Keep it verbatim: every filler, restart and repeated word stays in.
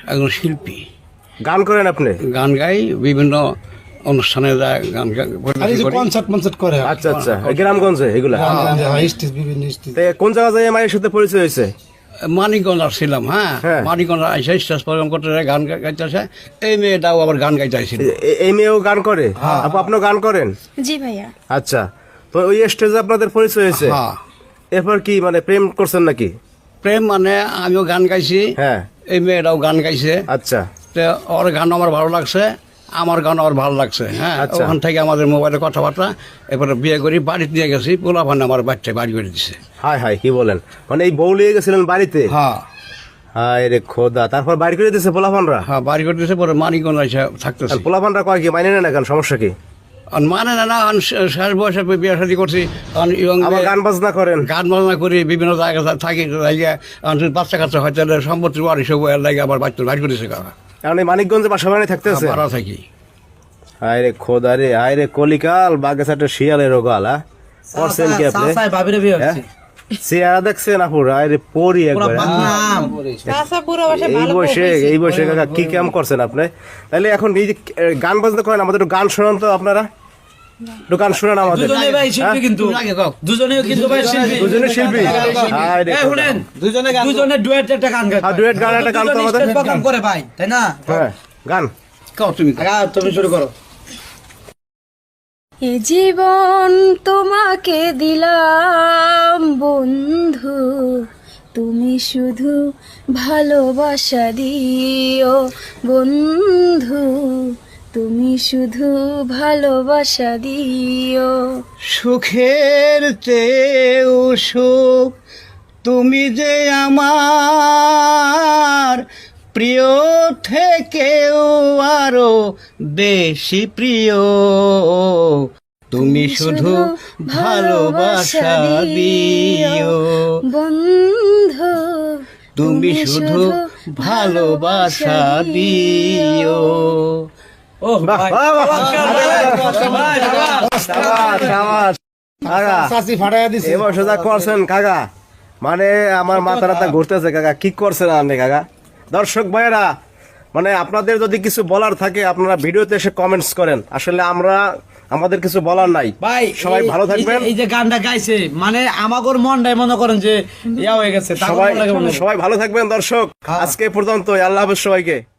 একজন শিল্পী। গান করেন আপনি? গান গাই, বিভিন্ন অনুষ্ঠানে যায় গান গা- আর এই যে করি। কনসার্ট মনসার্ট করে আচ্ছা আচ্ছা, গ্রামগঞ্জে এগুলা। গ্রামগঞ্জে হয়, স্টেজ বিভিন্ন স্টেজ। তে কোন জায়গা যায় মায়ের সাথে পরিচয় হয়েছে? মানিকগঞ্জ আসছিলাম, হ্যাঁ হ্যাঁ। মানিকগঞ্জ আইসা স্টেজ প্রোগ্রাম করতে যায়, গান গা- গাইতেছে। এই মেয়েটাও আবার গান গাইতে আইছিল। এ- এই মেয়েও গান করে? আপু আপনিও গান করেন? জি ভাইয়া। আচ্ছা, তো ওই স্টেজে আপনাদের পরিচয় হয়েছে, হ্যাঁ। এরপর কি মানে প্রেম করছেন নাকি? প্রেম মানে আমিও গান গাইছি, হ্যাঁ। এই মেয়েটাও গান গাইছে। আচ্ছা তো ওর গান আমার ভালো লাগছে, আমার গান আমার ভালো লাগছে। হ্যাঁ, আচ্ছা। ওখান থেকে আমাদের মোবাইলে কথাবার্তা, এরপরে বিয়ে করি, বাড়িতে নিয়ে গেছি, পোলা ভান আমার বাচ্চা বাড়ি করে দিছে। হাই হাই, কি বলেন, মানে এই বউ লিয়ে গেছিলেন বাড়িতে? হ্যাঁ হাই রে খোদা, তারপর বাড়ি করে দিয়েছে পোলাপানরা? হ্যাঁ, বাড়ি করে দিছে, পরে মানিকগঞ্জ এসে থাকতেছি। আর পোলাপানরা কয় কি মানে না কেন, সমস্যা কি? আর মানে না না, আমি শেষ বয়সে বিয়ে শাদী করছি, কারণ young আবার মেয়ে- গান বাজনা করেন? গান বাজনা করি, বিভিন্ন জায়গায় থাকি, জায়গায় বাচ্চা কাচ্চা হয়, তাহলে সম্পত্তি বাড়ি সব লাগে, আবার বাচ্চা বাড়ি করেছে কাকা। কারণ এই মানিকগঞ্জে বাসা বাড়ি থাকতে আছে? ভাড়া থাকি। হাই রে খোদা রে, হাই রে কলিকাল, বাগেসাটে শিয়ালের রোগাল। হ্যাঁ, করছেন কি আপনি? ভাবিরে বিয়ে হ্যাঁ? হচ্ছে চেহারা দেখছেন আপুর, হাই রে পরি একবার। হ্যাঁ? চাচা পুরো বসে এই ভালো বয়সে এই বয়সে কাকা কি কাম করছেন আপনি? তাহলে এখন এই যে এ, গান বাজনা করেন, আমাদের একটু গান শোনান তো আপনারা, একটু গান শোনান আমাদের। দুজনে ভাই শিল্পী কিন্তু দুজনেও কিন্তু ভাই শিল্পী দুজনে শিল্পী? হাই রে এই খোদা। শুনেন দুজনে গান দুজনে ডুয়েট একটা গান গায় হ্যাঁ, duet গান একটা গান তো আমাদের। প্রোগ্রাম করে ভাই তাই না হ্যাঁ, গান কাও তুমি আগা তুমি শুরু করো এ জীবন তোমাকে দিলাম বন্ধু, তুমি শুধু ভালোবাসা দিও বন্ধু, তুমি শুধু ভালোবাসা দিও। সুখের চেয়েও সুখ তুমি যে আমার, প্রিয় থেকেও আরো বেশি প্রিয়, তুমি শুধু ভালোবাসা দিও বন্ধু, তুমি শুধু ভালোবাসা দিও। ও ভাই বাহ, বাহ, বাহ। ভাই সাবাস, সাবাস। কাকা, চাচি ফাটাইয়া দিছে। এবার সোজা করছেন কাকা, মানে আমার মাথা টাথা ঘুরতেছে কাকা, কি করছেন আপনি কাকা? দর্শক ভাইয়েরা, মানে আপনাদের যদি কিছু বলার থাকে আপনারা ভিডিওতে এসে কমেন্টস করেন, আসলে আমরা আমাদের কিছু বলার নাই। ভাই সবাই এই- ভালো এই যে- থাকবেন, এই যে গানটা গাইছে মানে আমাগর মনটাই মনে করেন যে ইয়া হয়ে গেছে তার সবাই মন লাগে মনে হয়। সবাই ভালো থাকবেন দর্শক, আজকে পর্যন্ত, আল্লাহ হাফেজ সবাইকে।